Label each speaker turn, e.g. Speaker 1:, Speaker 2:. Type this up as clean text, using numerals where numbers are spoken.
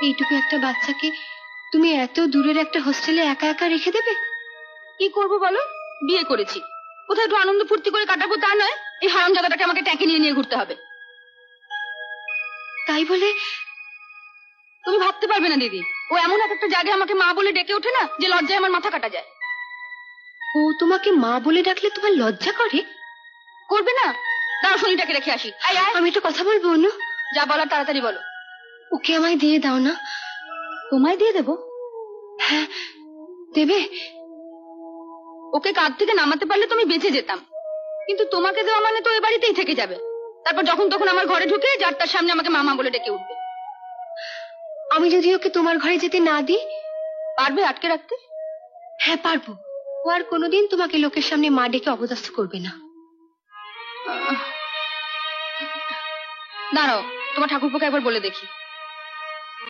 Speaker 1: এইটুকু একটা বাচ্চাকে তুমি এত দূরের একটা হোস্টেলে একা একা রেখে দেবে?
Speaker 2: কি করবো বলো, বিয়ে করেছি, কোথায় একটু আনন্দ ফুর্তি করে কাটাবো তা নয়, এই হারামজাদাটাকে আমাকে ট্যাঁকে নিয়ে নিয়ে ঘুরতে হবে।
Speaker 1: তাই বলে
Speaker 2: তুমি ভাবতে পারবে না দিদি, ও এমন একটা জায়গায় আমাকে মা বলে ডেকে ওঠে না যে লজ্জায় আমার মাথা কাটা যায়।
Speaker 1: ও তোমাকে মা বলে ডাকলে তোমার লজ্জা করে?
Speaker 2: করবে না? দাঁড়াও শনিটাকে রেখে আসি। আয় আয়,
Speaker 1: আমি একটা কথা বলবো অনু।
Speaker 2: যা বলার তাড়াতাড়ি বলো।
Speaker 1: ওকে আমায় দিয়ে দাও না।
Speaker 2: তোমায় দিয়ে দেবো?
Speaker 1: হ্যাঁ দেবে।
Speaker 2: ওকে কাঁধ থেকে নামাতে পারলে তুমি বেঁচে যেতাম, কিন্তু তোমাকে দেওয়া মানে তো এ বাড়িতেই থেকে যাবে। তারপর যখন তখন আমার ঘরে ঢুকে যার তার সামনে আমাকে মামা বলে ডেকে উঠবে।
Speaker 1: আমি যদি ওকে তোমার ঘরে যেতে না দিই?
Speaker 2: পারবে আটকে রাখতে?
Speaker 1: হ্যাঁ পারবো। ও আর কোনোদিন তোমাকে লোকের সামনে মা ডেকে অপদস্থ করবে না।
Speaker 2: দাঁড়াও, তোমার ঠাকুরপোকে একবার বলে দেখি।